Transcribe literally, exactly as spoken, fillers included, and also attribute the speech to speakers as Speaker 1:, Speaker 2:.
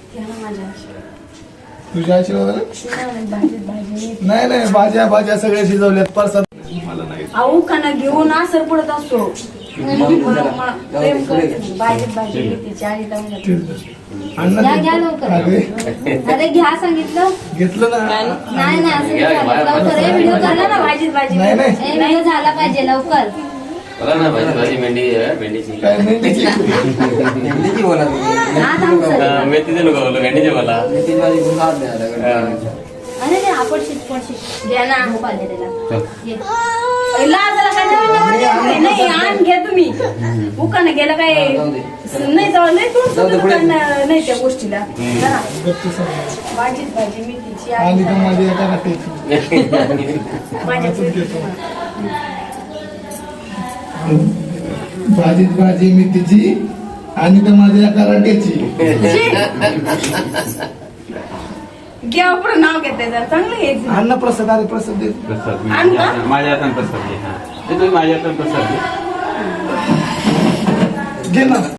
Speaker 1: तुझ्या आशीर्वादाने नाही नाही भाज्या भाज्या सगळ्या शिजवल्यात परसाद मला नाही
Speaker 2: अहो खाना घेऊन असर पडत असतो प्रेम करते भाजी भाजी मेथीची आणि
Speaker 1: अण्णा
Speaker 3: घ्या घ्या लवकर अरे घ्या सांगितलं
Speaker 1: घेतलं ना
Speaker 3: नाही नाही असं नाही चालत. लवकर हे व्हिडिओ करला ना
Speaker 2: भाजीच भाजी
Speaker 1: नाही नाही
Speaker 3: हे व्हिडिओ झाला पाहिजे लवकर
Speaker 4: बोला ना भाजी भाजी मेंढी आहे मेंढीची
Speaker 1: काय मेंढीची
Speaker 5: मेंढीची बोला
Speaker 3: हा थांब सर
Speaker 4: मेथीचे लोक बोललो मेंढीचे बोला
Speaker 5: मेथीची भाजी कोण खात नाही आता.
Speaker 3: अरे ते आपण शिट पण शिट
Speaker 2: घ्या ना
Speaker 3: हो पाहिजे त्याला ये.
Speaker 2: लाजाला काय नवीन नवीन नाही आण घ्या तुम्ही उकाने गेलं काय नाही जाऊ नाही तुमचं दुकान नाही त्या गोष्टीला जरा. भाजीच भाजी मेथीची
Speaker 1: आणि तर
Speaker 2: आणि
Speaker 1: माझी एका वाटेची भाजीत भाजी मेथीची आणि तर माझ्या एका वाटेची
Speaker 2: घ्या पुढे नाव घेते जरा चांगलं घ्यायचं
Speaker 1: अन्न प्रसाद अरे प्रसाद दे
Speaker 4: प्रसाद
Speaker 2: आण का?
Speaker 4: माझ्या हाताने प्रसाद घे. हा ते तुम्ही माझ्या हाताने प्रसाद घे.
Speaker 1: घे ना